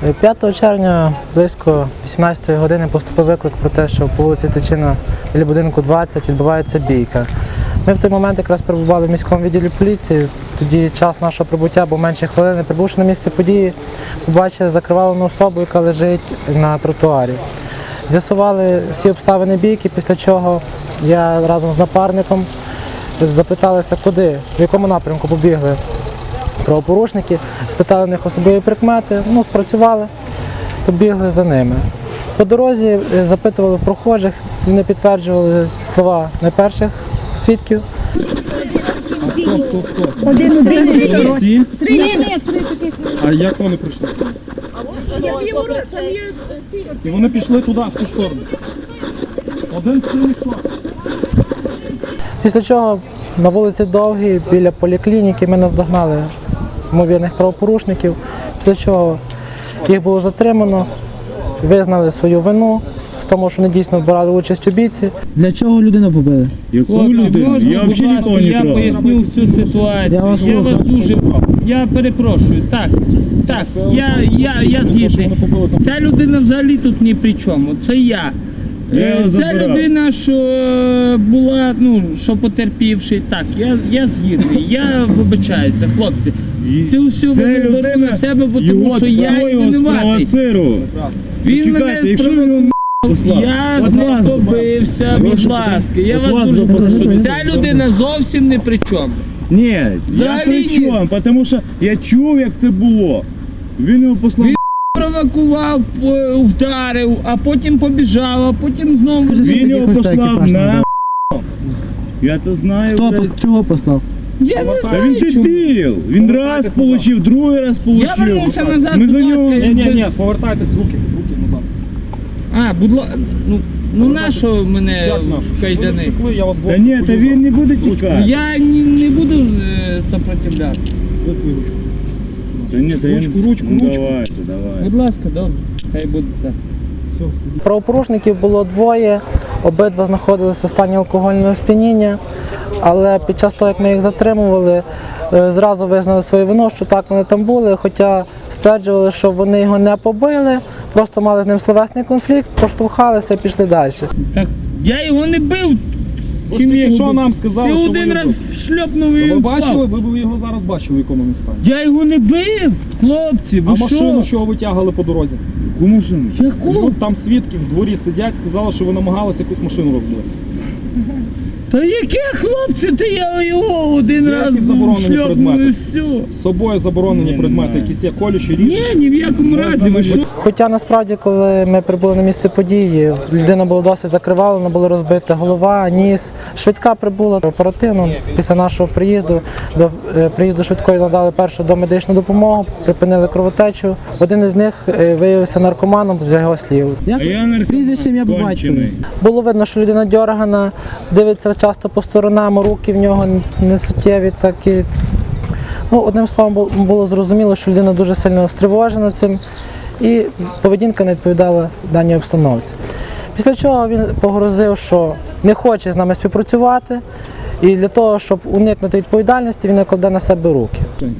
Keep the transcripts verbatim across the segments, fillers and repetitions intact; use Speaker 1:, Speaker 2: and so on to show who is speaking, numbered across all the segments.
Speaker 1: п'ятого червня близько вісімнадцятої години поступив виклик про те, що по вулиці Тичина біля будинку двадцять відбувається бійка. Ми в той момент якраз перебували в міському відділі поліції, тоді час нашого прибуття був менше хвилини. Прибувши на місце події, побачили закривавлену особу, яка лежить на тротуарі. З'ясували всі обставини бійки, після чого я разом з напарником запиталися, куди, в якому напрямку побігли правопорушники, спитали в них особливі прикмети, ну, спрацювали, побігли за ними. По дорозі запитували прохожих, вони підтверджували слова найперших свідків.
Speaker 2: Один
Speaker 3: Всі?
Speaker 2: Три, ні, три таких.
Speaker 3: А як вони прийшли? І вони пішли туди, в ту сторону. Один цілий йшов.
Speaker 1: Після чого на вулиці Довгій, біля поліклініки, ми наздогнали ймовірних правопорушників, після чого їх було затримано, визнали свою вину в тому, що вони дійсно брали участь у бійці.
Speaker 4: Для чого людину побили?
Speaker 3: Яку
Speaker 5: Хлопці,
Speaker 3: людину?
Speaker 5: можна,
Speaker 3: Я
Speaker 5: будь
Speaker 3: взагалі
Speaker 5: ласка,
Speaker 3: нікого не
Speaker 5: я
Speaker 3: трогав.
Speaker 5: поясню всю ситуацію.
Speaker 4: Я вас
Speaker 5: Я
Speaker 4: слухаю.
Speaker 5: вас дуже... Я перепрошую. Так, так, я, я, я згідний. Ця людина взагалі тут ні при чому. Це я.
Speaker 3: Я
Speaker 5: Е,
Speaker 3: його
Speaker 5: Ця
Speaker 3: забирав.
Speaker 5: людина, що е, була, ну, що потерпівший, так, я, я згідний. Я вибачаюся, хлопці. Це все
Speaker 3: Це
Speaker 5: беру
Speaker 3: людина,
Speaker 5: на себе, бо тому
Speaker 3: його
Speaker 5: що я
Speaker 3: його
Speaker 5: винуватий.
Speaker 3: спровоцирував.
Speaker 5: Він мене
Speaker 3: Чекайте, якщо він його послав,
Speaker 5: Я
Speaker 3: от
Speaker 5: з ним
Speaker 3: вас
Speaker 5: побився,
Speaker 3: От
Speaker 5: будь
Speaker 3: вас-
Speaker 5: ласка, я
Speaker 3: от
Speaker 5: вас
Speaker 3: вас
Speaker 5: дуже
Speaker 3: би
Speaker 5: прошу.
Speaker 3: прошу.
Speaker 5: Ця людина зовсім не при чому.
Speaker 3: Ні, я
Speaker 5: Взагалі
Speaker 3: при
Speaker 5: ні.
Speaker 3: чому, тому що я чув, як це було. Він його послав.
Speaker 5: Він Провокував, по- вдарив, а потім побіжав, а потім знову.
Speaker 4: Скажи, що
Speaker 3: Він
Speaker 4: ти
Speaker 3: його
Speaker 4: якось
Speaker 3: послав
Speaker 4: екіпаж
Speaker 3: на...
Speaker 4: надав?
Speaker 3: Я це знаю.
Speaker 4: Хто
Speaker 3: блядь.
Speaker 4: пос- чого послав?
Speaker 5: Я не
Speaker 3: Та він
Speaker 5: знаю, чому.
Speaker 3: дебіл. Він раз получив, другий раз
Speaker 5: Я
Speaker 3: получив.
Speaker 5: вернувся назад,
Speaker 3: Ми
Speaker 5: будь
Speaker 3: за нього...
Speaker 5: ласка.
Speaker 3: Ні, ні, ні.
Speaker 6: повертайтесь руки, руки назад.
Speaker 5: А, будь ласка, ну, ну на що мене
Speaker 6: Як наш?
Speaker 5: в
Speaker 6: Ви
Speaker 5: кайдани?
Speaker 6: втекли, я вас
Speaker 3: Та ні, та він не буде тікати.
Speaker 5: Я не, не буду е, сопротивлятися.
Speaker 6: Ви свою ручку.
Speaker 3: Та ні, та
Speaker 6: Ручку,
Speaker 3: він-
Speaker 6: ручку,
Speaker 3: ну,
Speaker 6: ручку.
Speaker 3: Давайте, давайте.
Speaker 5: Будь ласка, добре, хай буде так.
Speaker 6: Все, сидіть.
Speaker 1: Правопорушників було двоє, обидва знаходилися в стані алкогольного сп'яніння, але під час того, як ми їх затримували, е, зразу визнали свою вину, що так вони там були, хоча стверджували, що вони його не побили, просто мали з ним словесний конфлікт, поштовхалися і пішли далі.
Speaker 5: Так, я його не бив.
Speaker 6: Ви ж
Speaker 5: Чим я
Speaker 6: тільки
Speaker 5: його
Speaker 6: що
Speaker 5: бив?
Speaker 6: нам сказали,
Speaker 5: Ти
Speaker 6: що
Speaker 5: один
Speaker 6: ви
Speaker 5: раз
Speaker 6: його-
Speaker 5: шльопнув і
Speaker 6: Ви
Speaker 5: він
Speaker 6: бачили,
Speaker 5: впав.
Speaker 6: ви б його зараз бачили, в якому він стані.
Speaker 5: Я його не бив, хлопці, ви
Speaker 6: А машину,
Speaker 5: що?
Speaker 6: що ви витягали по дорозі?
Speaker 3: Яку машину?
Speaker 5: Яку?
Speaker 6: Ну, там свідки в дворі сидять, сказали, що ви намагалися якусь машину розбити.
Speaker 5: Та яке хлопці, ти я його один
Speaker 6: Які
Speaker 5: раз
Speaker 6: заборонені
Speaker 5: шльопнув
Speaker 6: предмети?
Speaker 5: і все.
Speaker 6: З собою заборонені
Speaker 3: Ні,
Speaker 6: предмети,
Speaker 3: немає.
Speaker 6: якісь є колючі,
Speaker 5: Ні,
Speaker 6: ріжучі.
Speaker 5: ні в якому разі, ви що?
Speaker 1: Хоча насправді, коли ми прибули на місце події, людина була досить закривавлена, була розбита голова, ніс. Швидка прибула оперативно. Після нашого приїзду до е, приїзду швидкої надали першу домедичну допомогу, припинили кровотечу. Один із них е, виявився наркоманом з його слів.
Speaker 4: Як
Speaker 3: А я наркоман
Speaker 4: прізвище ім'я по
Speaker 3: кончений.
Speaker 4: батькові?
Speaker 1: Було видно, що людина дьоргана, дивиться часто по сторонам, руки в нього не суттєві, такі. Ну, одним словом, бу- було зрозуміло, що людина дуже сильно стривожена цим, і поведінка не відповідала даній обстановці. Після чого він погрозив, що не хоче з нами співпрацювати, і для того, щоб уникнути відповідальності, він накладе на себе руки.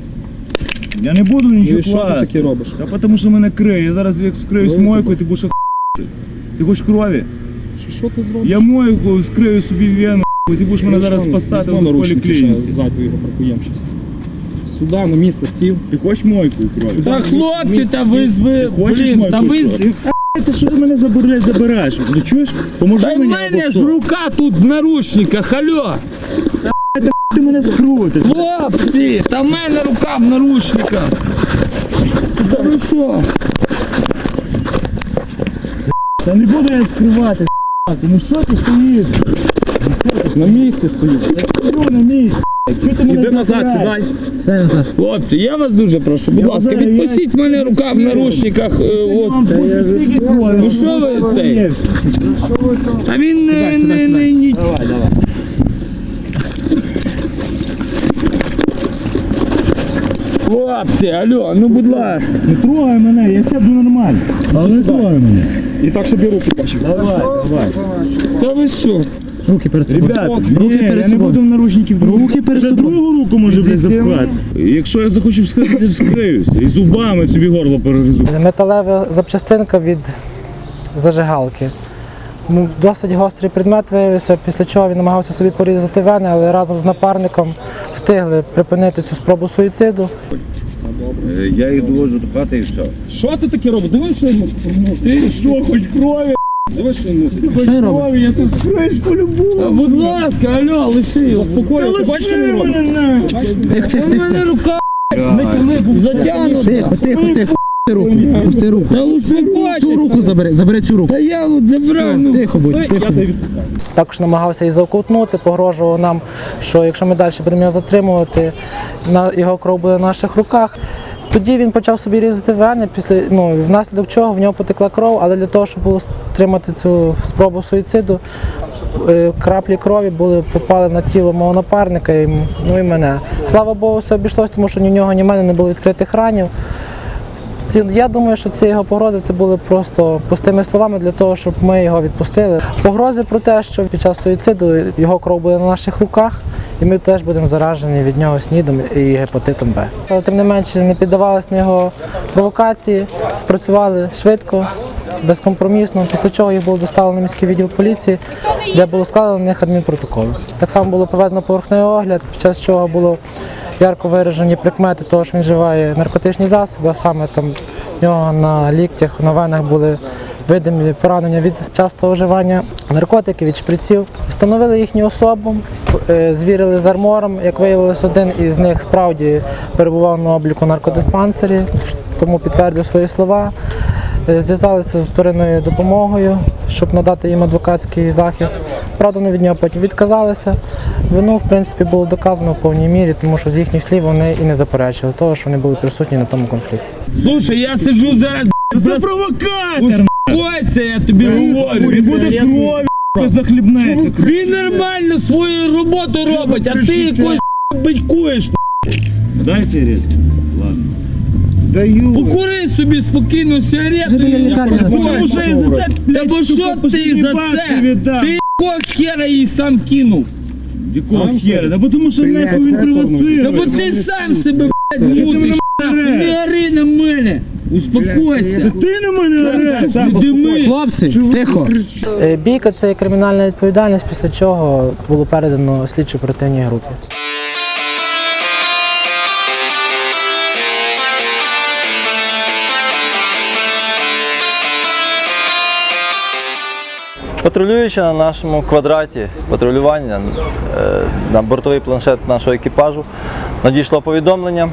Speaker 3: Я не буду нічого
Speaker 6: Ну і що ти
Speaker 3: класти.
Speaker 6: таке робиш?
Speaker 3: Та тому що мене криє. Я зараз як вскрию
Speaker 6: Ну,
Speaker 3: мойку,
Speaker 6: тебе.
Speaker 3: і ти будеш х**. Ти хочеш крові?
Speaker 6: Що- Що ти зробиш?
Speaker 3: Я мойку скрию собі вену, і ти будеш мене зараз спасати в поліклініці.
Speaker 6: Ззаду його паркуємо щас. Сюди, на місце сів.
Speaker 3: Ти хочеш мойку крові?
Speaker 5: Та хлопці, та ви з ви,
Speaker 3: Ти хочеш
Speaker 5: блін,
Speaker 3: мойку
Speaker 5: та ви з...
Speaker 3: крові? Ти що ти мене забираєш, забираєш? Ну чуєш? Поможи
Speaker 5: Та в
Speaker 3: мені
Speaker 5: мене
Speaker 3: або
Speaker 5: ж
Speaker 3: що?
Speaker 5: рука тут в наручниках, алло!
Speaker 3: Ти мене скрутиш.
Speaker 5: Хлопці, та в мене рука в наручниках! Та ви що?
Speaker 3: Та не буду я скривати, ну що ти стоїш?
Speaker 6: На місці стою.
Speaker 3: Стою на місці. Що ти мене
Speaker 6: Іди назад,
Speaker 3: забираєш?
Speaker 6: сідай.
Speaker 4: Все назад.
Speaker 5: Хлопці, я вас дуже прошу, будь
Speaker 3: Я
Speaker 5: ласка,
Speaker 3: знаю,
Speaker 5: відпустіть
Speaker 3: я-
Speaker 5: мене рука в наручниках, е,
Speaker 3: Я
Speaker 5: от.
Speaker 3: вам більше стільки крові.
Speaker 5: Ну що ви цей? Та він не,
Speaker 6: Сідай, сідай,
Speaker 5: не,
Speaker 6: сідай.
Speaker 5: не, ні-
Speaker 3: Давай, давай.
Speaker 5: Хлопці, алло, ну будь ласка.
Speaker 3: Не трогай мене, я сяду нормально. Але не трогай мене.
Speaker 6: І так, щоб я руки бачив.
Speaker 3: Давай, давай.
Speaker 5: Та ви що?
Speaker 4: Руки перед собою.
Speaker 7: Ребята,
Speaker 4: Руки
Speaker 7: ні,
Speaker 4: перед
Speaker 7: я не
Speaker 4: собою.
Speaker 7: буду в наручників.
Speaker 4: Руки перед
Speaker 7: Ще
Speaker 4: собою.
Speaker 7: другу руку може блядь, запхати. Якщо я захочу вскрити, вскриюсь. І зубами собі горло перегризу.
Speaker 1: Металева запчастинка від зажигалки. Ну, досить гострий предмет виявився, після чого він намагався собі порізати вени, але разом з напарником встигли припинити цю спробу суїциду.
Speaker 8: Я їх довожу до хати і все.
Speaker 3: Що ти таке робиш? Дивись, що йому.
Speaker 7: Ти що, хоч крові?
Speaker 3: Дивись, що йому.
Speaker 4: Що він робить?
Speaker 7: Крові, я тут вскриюсь по-любому.
Speaker 5: Будь ласка, алло, лиши його.
Speaker 3: Заспокоїв, ти бачиш, що він робить?
Speaker 4: Тих, тих,
Speaker 5: У
Speaker 4: тих,
Speaker 5: мене
Speaker 4: тих.
Speaker 5: рука затягнута.
Speaker 4: Тихо, тихо, тихо. Пусти руку. Пусти руку.
Speaker 5: Та успокойтеся.
Speaker 4: Цю руку забери, забери цю руку.
Speaker 5: Та я от забрав. Ну,
Speaker 4: Тихо будь, тихо.
Speaker 1: Також намагався і заокутнути, погрожував нам, що якщо ми далі будемо його затримувати, на його кров буде на наших руках. Тоді він почав собі різати вени, після, ну, внаслідок чого в нього потекла кров, але для того, щоб було стримати цю спробу суїциду, е, краплі крові були попали на тіло мого напарника і, м- ну, і мене. Слава Богу, все обійшлося, тому що ні в нього, ні в мене не було відкритих ранів. Ці- Я думаю, що ці його погрози це були просто пустими словами для того, щоб ми його відпустили. Погрози про те, що під час суїциду його кров буде на наших руках, і ми теж будемо заражені від нього снідом і гепатитом Б. Але тим не менше не піддавалися на його провокації, спрацювали швидко, безкомпромісно, після чого їх було доставлено в міський відділ поліції, де було складено на них адмінпротоколи. Так само було проведено поверхневий огляд, під час чого було ярко виражені прикмети того, що він вживає наркотичні засоби, а саме там в нього на ліктях, на венах були видимі поранення від частого вживання наркотиків, від шприців. Встановили їхню особу, е, звірили з армором. Як виявилось, один із них справді перебував на обліку в наркодиспансері, тому підтвердив свої слова. Е, Зв'язалися з вторинною допомогою, щоб надати їм адвокатський захист. Правда, вони від нього потім відказалися. Вину, в принципі, було доказано в повній мірі, тому що з їхніх слів вони і не заперечили того, що вони були присутні на тому конфлікті.
Speaker 5: слушай, я сиджу зараз.
Speaker 7: Це провокатор!
Speaker 5: Успокойся, я тобі говорю.
Speaker 7: Він буде крові, захлібнеться.
Speaker 5: Він нормально свою роботу робить, а ти якось батькуєш.
Speaker 7: Дай сигарет. Ладно.
Speaker 5: Покури собі спокійно сигарету
Speaker 4: біля
Speaker 5: і
Speaker 4: лікарні
Speaker 7: Тому що я за це,
Speaker 5: Та
Speaker 7: блядь,
Speaker 5: бо що
Speaker 7: сука,
Speaker 5: ти за
Speaker 7: бабки
Speaker 5: це?
Speaker 7: віддам.
Speaker 5: Ти якого хера її сам кинув?
Speaker 7: Якого хера? Да бо тому що нахуй він провоцирує.
Speaker 5: Та бо ти сам себе, блядь, мутиш. Не ори на мене. Успокойся.
Speaker 7: Ти на мене ореш.
Speaker 5: Дими.
Speaker 4: Хлопці, тихо.
Speaker 1: Е, Бійка – це є кримінальна відповідальність, після чого було передано слідчо-оперативній групі.
Speaker 9: Патрулюючи на нашому квадраті патрулювання е, на бортовий планшет нашого екіпажу, надійшло повідомлення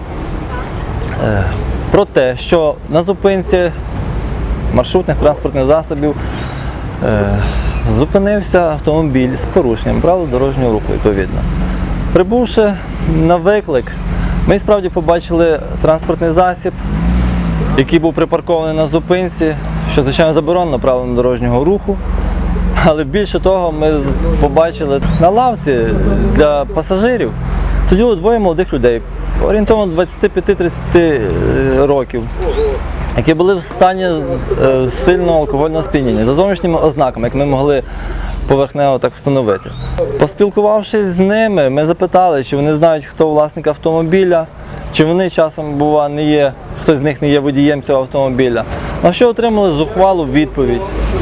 Speaker 9: е, про те, що на зупинці маршрутних транспортних засобів е, зупинився автомобіль з порушенням правил дорожнього руху, відповідно. Прибувши на виклик, ми справді побачили транспортний засіб, який був припаркований на зупинці, що, звичайно, заборонено правилам дорожнього руху. Але більше того, ми з- побачили на лавці для пасажирів сиділо двоє молодих людей, орієнтовно двадцять п'ять тридцять років, які були в стані е, сильного алкогольного сп'яніння, за зовнішніми ознаками, як ми могли поверхнево так встановити. Поспілкувавшись з ними, ми запитали, чи вони знають, хто власник автомобіля, чи вони часом, бува, не є, хтось з них не є водієм цього автомобіля. На що отримали зухвалу відповідь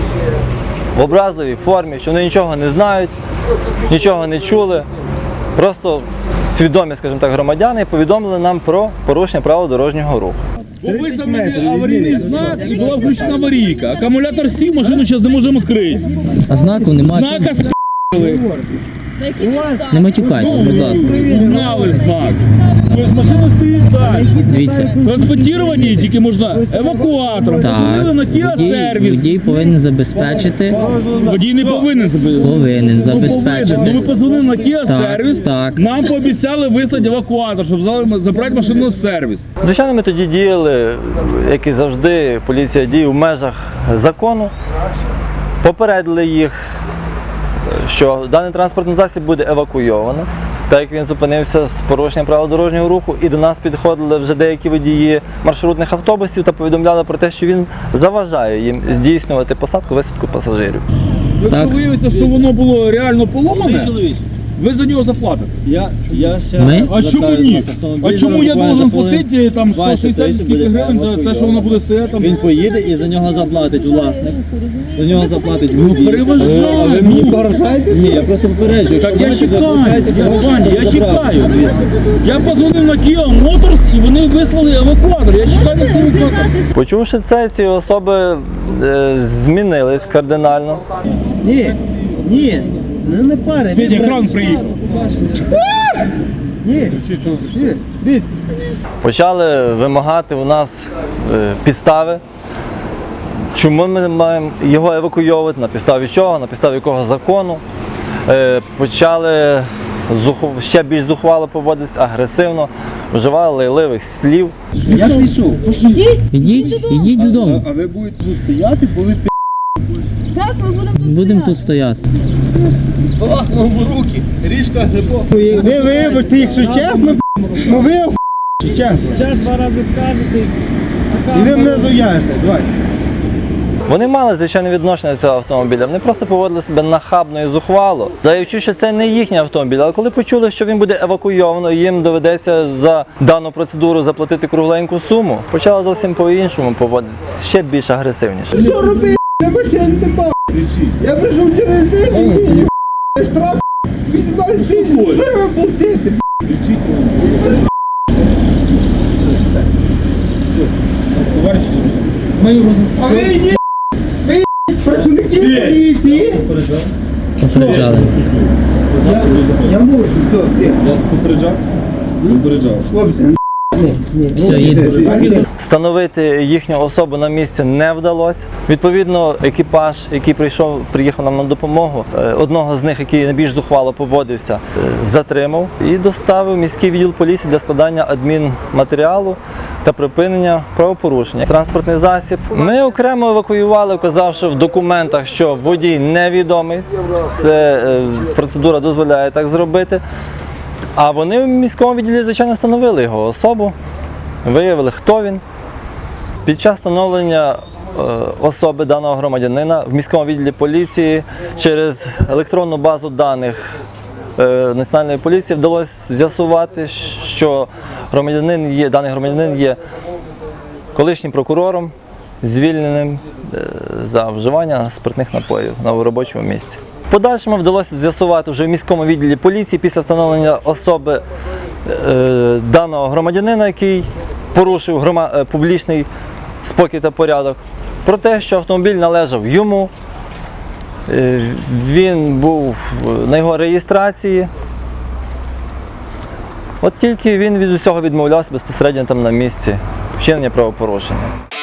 Speaker 9: в образливій формі, що вони нічого не знають, нічого не чули, просто свідомі, скажімо так, громадяни повідомили нам про порушення правил дорожнього руху.
Speaker 3: Був виставлений аварійний знак і була включена аварійка. Акумулятор сів, машину зараз не можемо відкрити.
Speaker 10: А знаку немає.
Speaker 3: Знака с***ли.
Speaker 10: Не матюкайтесь, будь ласка.
Speaker 3: Знали знак. Тобто машина стоїть далі.
Speaker 10: Дивіться.
Speaker 3: Транспортування тільки можна евакуатором.
Speaker 10: Так,
Speaker 3: Позвонили на Kia
Speaker 10: водій,
Speaker 3: сервіс.
Speaker 10: водій повинен забезпечити.
Speaker 3: Водій не повинен забити.
Speaker 10: Повинен забезпечити.
Speaker 3: Ну, ми позвонили на Kia
Speaker 10: Так,
Speaker 3: сервіс.
Speaker 10: так.
Speaker 3: Нам пообіцяли вислати евакуатор, щоб взяли- забрати машину на сервіс.
Speaker 9: Звичайно, ми тоді діяли, як і завжди, поліція діє в межах закону. Попередили їх, що даний транспортний засіб буде евакуйовано, так як він зупинився з порушенням правил дорожнього руху, і до нас підходили вже деякі водії маршрутних автобусів та повідомляли про те, що він заважає їм здійснювати посадку-висадку пасажирів.
Speaker 3: Якщо
Speaker 10: Так.
Speaker 3: виявиться, що воно було реально поломане, ви за нього заплатите.
Speaker 11: Я, я ще
Speaker 10: Ми?
Speaker 3: А чому ні? А чому я должен платити там сто шістдесят скільки гривень за те, що воно буде стояти там?
Speaker 11: Він поїде і за нього заплатить власник. За нього заплатить
Speaker 3: Ну
Speaker 11: водій.
Speaker 3: переважаю.
Speaker 11: А ви мені погрожаєте? Ні, я просто попереджую.
Speaker 3: Так
Speaker 11: якщо
Speaker 3: я
Speaker 11: ви
Speaker 3: чекаю,
Speaker 11: заплатите,
Speaker 3: я,
Speaker 11: можете
Speaker 3: Ваня, я
Speaker 11: забрати
Speaker 3: чекаю.
Speaker 11: звідси.
Speaker 3: Я позвонив на Kia Motors і вони вислали евакуатор. Я чекаю на цей евакуатор.
Speaker 9: Почувши це, ці особи е, змінились кардинально.
Speaker 11: Ні, ні, не, не пари.
Speaker 3: Федя, кран приїхав.
Speaker 11: Ні, ні, дивіться.
Speaker 9: Почали вимагати у нас е, підстави, чому ми маємо його евакуйовувати, на підставі чого, на підставі якого закону. Е, Почали зуху- ще більш зухвало поводитися, агресивно, вживали лайливих слів.
Speaker 11: Я пішов.
Speaker 10: Ідіть, ідіть додому.
Speaker 11: А ви будете тут стояти, бо ви
Speaker 2: Так, ми будемо
Speaker 10: Будемо тут стояти.
Speaker 11: пахнемо руки, ріжка глибоко. Ви вибачте, якщо чесно, ну ви оху- чесно.
Speaker 6: Час два рази скажете.
Speaker 11: І ви мене зуяжете, давай.
Speaker 9: Вони мали звичайне відношення до цього автомобіля, вони просто поводили себе нахабно і зухвало, даючи, що це не їхній автомобіль. Але коли почули, що він буде евакуйовано і їм доведеться за дану процедуру заплатити кругленьку суму, почали зовсім по-іншому поводитися, ще більш агресивніше.
Speaker 11: Що робити? Я машин не бачу. Я прийшов через день, і штраф вісімнадцять тисяч. Що ви платите?
Speaker 3: Товариші, ми його
Speaker 11: А ви є, ви є працівники поліції.
Speaker 10: Попереджали.
Speaker 11: Я, я можу, все, ти.
Speaker 6: Я попереджав? Попереджав.
Speaker 11: Хлопці,
Speaker 10: Все, їдемо.
Speaker 9: Встановити їхню особу на місці не вдалося. Відповідно, екіпаж, який прийшов, приїхав нам на допомогу, е, одного з них, який найбільш зухвало поводився, е, затримав і доставив в міський відділ поліції для складання адмінматеріалу та припинення правопорушення. Транспортний засіб. Ми окремо евакуювали, вказавши в документах, що водій невідомий. Це е, процедура дозволяє так зробити. А вони в міському відділі, звичайно, встановили його особу, виявили, хто він. Під час встановлення е, особи даного громадянина в міському відділі поліції через електронну базу даних е, Національної поліції вдалося з'ясувати, що громадянин є, даний громадянин є колишнім прокурором, звільненим е, за вживання спиртних напоїв на робочому місці. В подальшому вдалося з'ясувати вже в міському відділі поліції після встановлення особи е, даного громадянина, який порушив грома, е, публічний спокій та порядок, про те, що автомобіль належав йому, е, він був на його реєстрації. От тільки він від усього відмовлявся безпосередньо там на місці вчинення правопорушення.